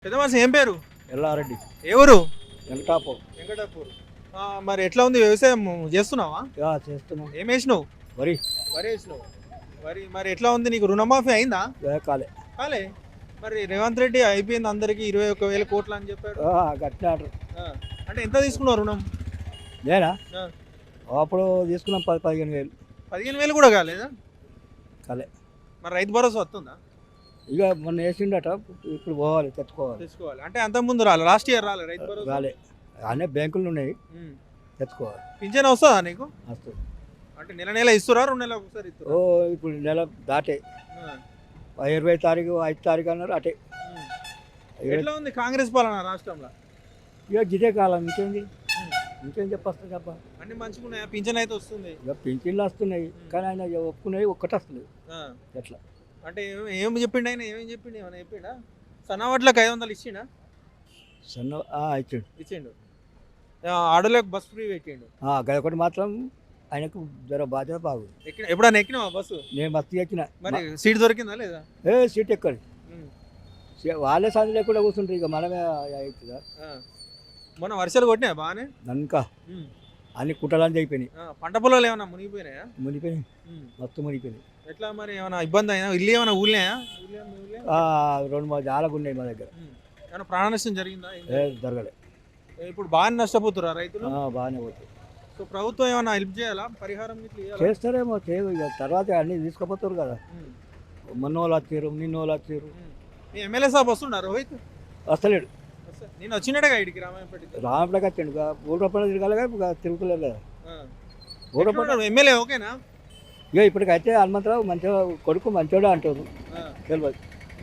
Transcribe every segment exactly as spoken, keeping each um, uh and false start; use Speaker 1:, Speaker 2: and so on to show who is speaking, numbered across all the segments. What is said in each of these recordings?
Speaker 1: పెద్ద మనిషి ఏం పేరు?
Speaker 2: ఎల్లారెడ్డి
Speaker 1: ఏ ఊరు?
Speaker 2: వెంకటాపూర్.
Speaker 1: వెంకటాపూర్. ఆ, మరి ఎట్లా ఉంది వ్యవసాయం చేస్తున్నావా?
Speaker 2: యా చేస్తున్నాం.
Speaker 1: ఏం వేసినావు?
Speaker 2: వరి
Speaker 1: వరి వేసినావు. వరి మరి ఎట్లా ఉంది, నీకు రుణమాఫీ అయిందా?
Speaker 2: యా కాలే.
Speaker 1: కాలే. మరి రేవంత్ రెడ్డి అయిపోయింది అందరికి ఇరవై ఒక్క వేల కోట్లు అని చెప్పాడు.
Speaker 2: ఆ, గట్టినాడు.
Speaker 1: ఆ, అంటే ఎంత తీసుకున్నావు రుణం?
Speaker 2: నేనా
Speaker 1: ఆ,
Speaker 2: అప్పుడు తీసుకున్నాం పది పదిహేను వేలు.
Speaker 1: పదిహేను వేలు కూడా కాలేదా?
Speaker 2: కాలే.
Speaker 1: మరి రైతు భరోసా వస్తుందా?
Speaker 2: ఇక మొన్న వేసిండట, ఇప్పుడు పోవాలి తెచ్చుకోవాలి.
Speaker 1: తెచ్చుకోవాలి అంటే అంత ముందు రాలే, లాస్ట్ ఇయర్ రాలే రైతు భరోసా.
Speaker 2: రాలే. అనే బ్యాంకులు ఉన్నాయి,
Speaker 1: ఉమ్.
Speaker 2: తెచ్చుకోవాలి.
Speaker 1: పింఛన్ వస్తుందా నీకు?
Speaker 2: వస్తుంది.
Speaker 1: అంటే నెల నెల ఇస్తురా, రెండు నెలలకు ఒకసారి
Speaker 2: ఓ
Speaker 1: ఇస్తురా?
Speaker 2: ఇప్పుడు నెల దాటే
Speaker 1: ఆ,
Speaker 2: ఇరవై తారీఖు ఐదు తారీఖు అన్నారు అటే.
Speaker 1: ఉమ్.
Speaker 2: ఇరవై-
Speaker 1: ఎట్లా ఉంది కాంగ్రెస్ పాలన రాష్ట్రంలో?
Speaker 2: ఇక గిదే కాలం ఇంకేంది, ఇంకేం చెప్పొస్తుంది అబ్బా.
Speaker 1: అన్ని మంచిగా ఉన్నాయా? పింఛన్ అయితే వస్తుంది.
Speaker 2: ఇక పింఛన్లు వస్తున్నాయి, కానీ ఆయన ఇక ఒప్పుకునేవి ఒక్కటి వస్తుంది.
Speaker 1: ఆ,
Speaker 2: ఎట్లా
Speaker 1: అంటే ఏం ఏం చెప్పిండు ఆయన? ఏమేం చెప్పిండు? ఏమైనా చెప్పిండా? సన్నవాట్లకు ఐదు వందలు ఇచ్చిండా?
Speaker 2: సన్న ఇచ్చిండు.
Speaker 1: ఇచ్చిండు. ఆ, ఆడోళ్ళకి బస్ ఫ్రీ పెట్టిండు.
Speaker 2: గదొకటి మాత్రం ఆయనకు జర బాధ్యత బాగుంది.
Speaker 1: ఎక్కిన ఎప్పుడైనా ఎక్కినావా బస్సు?
Speaker 2: నేను మస్తు ఎక్కిన.
Speaker 1: మరి సీట్ దొరికిందా లేదా?
Speaker 2: ఏ సీట్ ఎక్కడి
Speaker 1: ఉమ్.
Speaker 2: వాళ్ళే సంది లేకుండా కూర్చుంటారు, ఇక మనమే అవుతుందా.
Speaker 1: ఆ. మొన్న వర్షాలు కొట్టినాయా బాగానే?
Speaker 2: నన్క
Speaker 1: ఉమ్.
Speaker 2: అన్ని కుట్టాలని అయిపోయినాయి,
Speaker 1: ఆ, పంట పొలాలు ఏమైనా మునిగిపోయినాయా?
Speaker 2: మునిపోయినాయి,
Speaker 1: ఉమ్.
Speaker 2: మొత్తం మునిపోయినాయి.
Speaker 1: ఎట్లా మరి, ఏమైనా ఇబ్బంది అయినా? ఇల్లు ఏమైనా ఊళ్ళాయా? ఊళ్ళో మీ ఊళ్ళో?
Speaker 2: ఆ, రెండు మూడు జాలకు ఉన్నాయి మా దగ్గర.
Speaker 1: ఉమ్. ఏమైనా ప్రాణ నష్టం జరిగిందా? ఏం
Speaker 2: ఏ
Speaker 1: జరిగింది?
Speaker 2: జరగలే.
Speaker 1: ఇప్పుడు బాగానే నష్టపోతురా రైతులు?
Speaker 2: ఆ, బాగానే పోతుంది.
Speaker 1: సో ప్రభుత్వం ఏమైనా హెల్ప్ చేయాలా? పరిహారం ఇట్లా ఇవ్వాలా?
Speaker 2: చేస్తారేమో చేయవు, ఇక తర్వాత అన్ని తీసుకుపోతారు కదా.
Speaker 1: ఉమ్.
Speaker 2: మొన్న వాళ్ళు వచ్చారు, నిన్న వాళ్ళు వచ్చారు.
Speaker 1: ఉమ్. మీ ఎమ్మెల్యే సాబ్ వస్తున్నారు రోహిత్?
Speaker 2: వస్తలేడు.
Speaker 1: వస్తా- నేను వచ్చినట్టుగా ఇడికి రామాయపేటకి.
Speaker 2: రామపడకి వచ్చాడు, ఇక ఊళ్ళో పని తిరగాలిగా, ఇక తిరుగుతలేదు కదా.
Speaker 1: ఆ.
Speaker 2: ఊళ్ళో పని
Speaker 1: ఎట్లున్నాడు? ఎమ్మెల్యే ఓకేనా?
Speaker 2: ఇక ఇప్పటికైతే హనుమంతరావు మంచిగా కొడుకు మంచోడే అంటారు,
Speaker 1: ఆ.
Speaker 2: తెలియదు.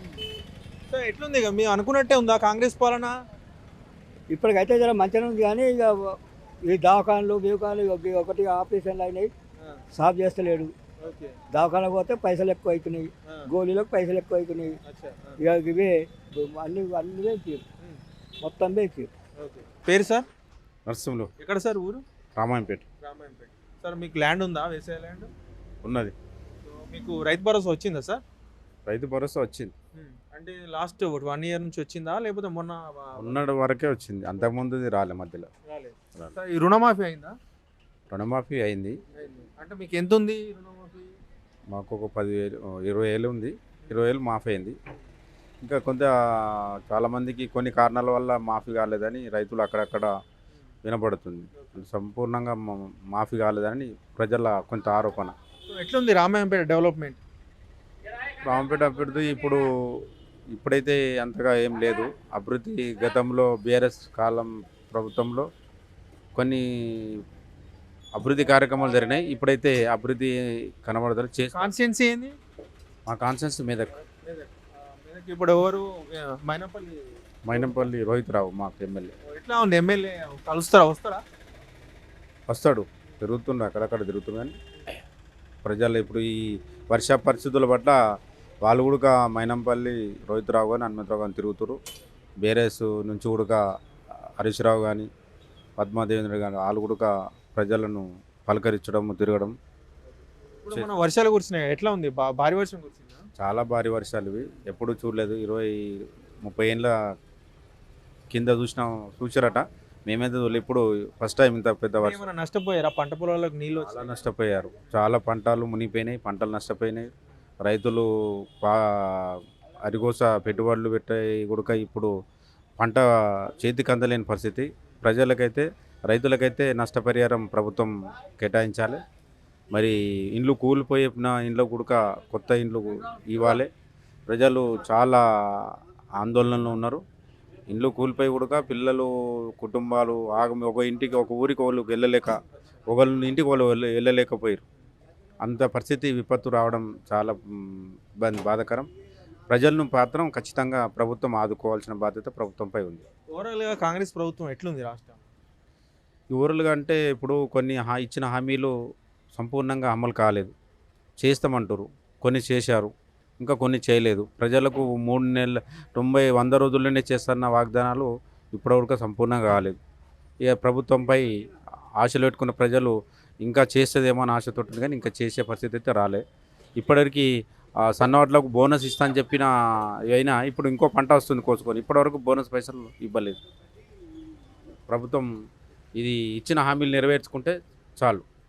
Speaker 1: సో ఎట్లుంది ఇక మేము అనుకున్నట్టే ఉందా కాంగ్రెస్ పాలన?
Speaker 2: ఇప్పటికైతే జర మంచిగా ఉంది, కానీ ఇక ఈ దవాఖానలు బీవకాలు ఇక ఒకటి ఆపరేషన్లు అయినాయి,
Speaker 1: ఆ,
Speaker 2: సాఫ్ చేస్తలేడు.
Speaker 1: ఓకే.
Speaker 2: దవాఖానకు పోతే పైసలు ఎక్కువ అవుతున్నాయి,
Speaker 1: ఆ,
Speaker 2: గోళీలకు పైసలు ఎక్కువ అవుతున్నాయి.
Speaker 1: అచ్చా, ఆ,
Speaker 2: ఇక ఇవే అన్ని అన్ని వేసారు,
Speaker 1: ఉమ్,
Speaker 2: మొత్తం వేసారు.
Speaker 1: ఓకే. పేరు సార్?
Speaker 3: నర్సింహులు
Speaker 1: ఎక్కడ సార్ ఊరు?
Speaker 3: రామాయంపేట
Speaker 1: రామాయంపేట. సార్ మీకు ల్యాండ్ ఉందా, వ్యవసాయ ల్యాండ్?
Speaker 3: ఉన్నది.
Speaker 1: సో మీకు రైతు భరోసా వచ్చిందా సార్?
Speaker 3: రైతు భరోసా వచ్చింది.
Speaker 1: ఉమ్, అంటే లాస్ట్ వన్ ఇయర్ నుంచి వచ్చిందా లేకపోతే మొన్న
Speaker 3: ఉన్నటి వరకే వచ్చింది, అంతకుముందుది రాలే మధ్యలో.
Speaker 1: రాలేదు?
Speaker 3: రాలే.
Speaker 1: సార్ ఈ రుణమాఫీ అయిందా?
Speaker 3: రుణమాఫీ అయింది.
Speaker 1: అయింది. అంటే మీకు ఎంత ఉంది రుణమాఫీ?
Speaker 3: మాకు ఒక పదివేలు ఇరవై వేలు ఉంది, ఇరవై వేలు మాఫీ అయింది. ఇంకా కొంత చాలామందికి కొన్ని కారణాల వల్ల మాఫీ కాలేదని రైతులు అక్కడక్కడ వినపడుతుంది. సంపూర్ణంగా మా- మాఫీ కాలేదని ప్రజల కొంత ఆరోపణ.
Speaker 1: సో ఎట్లుంది రామాయంపేట డెవలప్మెంట్?
Speaker 3: రామపేట అభివృద్ధి ఇప్పుడు ఇప్పుడైతే అంతగా ఏం లేదు. అభివృద్ధి గతంలో బీఆర్ఎస్ కాలం ప్రభుత్వంలో కొన్ని అభివృద్ధి కార్యక్రమాలు జరిగినాయి. ఇప్పుడైతే అభివృద్ధి కనబడతారు చేసి
Speaker 1: కాన్స్టిట్యున్సీ ఏంది?
Speaker 3: మా కాన్సెన్స్ మెదక్.
Speaker 1: మెదక్. ఆ, మెదక్ ఇప్పుడు ఎవరు? ఆ, మైనపల్లి.
Speaker 3: మైనంపల్లి రోహిత్ రావు మాకు ఎమ్మెల్యే.
Speaker 1: ఎట్లా ఉంది ఎమ్మెల్యే? కలుస్తారా, వస్తారా?
Speaker 3: వస్తాడు, తిరుగుతుండు, అక్కడక్కడ తిరుగుతుండు. కానీ ప్రజలు ఇప్పుడు ఈ వర్ష పరిస్థితుల పట్ల వాళ్ళు కూడా మైనంపల్లి రోహిత్ రావు కానీ హనుమంతరావు కానీ తిరుగుతారు. బీఆర్ఎస్ నుంచి కూడా హరీష్ రావు కానీ పద్మాదేవేంద్ర కానీ వాళ్ళు కూడా ప్రజలను పలకరించడం తిరగడం.
Speaker 1: ఇప్పుడు మన వర్షాలు కురిసినాయి, ఎట్లా ఉంది? బా- భారీ వర్షం కురిసిందా?
Speaker 3: చాలా భారీ వర్షాలు ఇవి, ఎప్పుడు చూడలేదు. ఇరవై ముప్పై ఏళ్ళ కింద చూసిన చూసారట, మేమైతే చూడలేదు. ఇప్పుడు ఫస్ట్ టైం ఇంత పెద్ద వర్షం.
Speaker 1: ఏమైనా నష్టపోయారా? పంట పొలాలకు నీళ్ళు
Speaker 3: చాలా
Speaker 1: వచ్చి?
Speaker 3: నష్టపోయారు, చాలా పంటలు మునిగిపోయినాయి, పంటలు నష్టపోయినాయి. రైతులు పా అరిగోస పెట్టుబడులు పెట్టే కూడా ఇప్పుడు పంట చేతికి అందలేని పరిస్థితి. ప్రజలకైతే రైతులకైతే నష్టపరిహారం ప్రభుత్వం కేటాయించాలి. మరి ఇండ్లు కూలిపోయిన ఇండ్లు కూడా కొత్త ఇండ్లు ఇవ్వాలి. ప్రజలు చాలా ఆందోళనలో ఉన్నారు. ఇండ్లు కూలిపోయి కూడా పిల్లలు కుటుంబాలు ఆగమి ఒక ఇంటికి ఒక ఊరికి వాళ్ళు వెళ్ళలేక, ఒకళ్ళ ఇంటికి వాళ్ళు వెళ్ళ వెళ్ళలేకపోయారు. అంత పరిస్థితి విపత్తు రావడం చాలా మ్, ఇబ్బంది బాధాకరం. ప్రజలను మాత్రం ఖచ్చితంగా ప్రభుత్వం ఆదుకోవాల్సిన బాధ్యత ప్రభుత్వంపై ఉంది.
Speaker 1: ఓవరాల్గా కాంగ్రెస్ ప్రభుత్వం ఎట్లుంది రాష్ట్రం?
Speaker 3: ఈ ఊరులుగా అంటే ఇప్పుడు కొన్ని హా ఇచ్చిన హామీలు సంపూర్ణంగా అమలు కాలేదు. చేస్తామంటారు, కొన్ని చేశారు, ఇంకా కొన్ని చేయలేదు. ప్రజలకు మూడు నెలల తొంభై వంద రోజుల్లోనే చేస్తున్న వాగ్దానాలు ఇప్పటివరకు సంపూర్ణంగా కాలేదు. ఇక ప్రభుత్వంపై ఆశలు పెట్టుకున్న ప్రజలు ఇంకా చేస్తుందేమో అని ఆశతో ఉంటుంది, కానీ ఇంకా చేసే పరిస్థితి అయితే రాలే. ఇప్పటివరకు ఆ, సన్నవడ్లకు బోనస్ ఇస్తా అని చెప్పిన అయినా ఇప్పుడు ఇంకో పంట వస్తుంది కోసుకొని ఇప్పటివరకు బోనస్ పైసలు ఇవ్వలేదు ప్రభుత్వం. ఇది ఇచ్చిన హామీలు నెరవేర్చుకుంటే చాలు.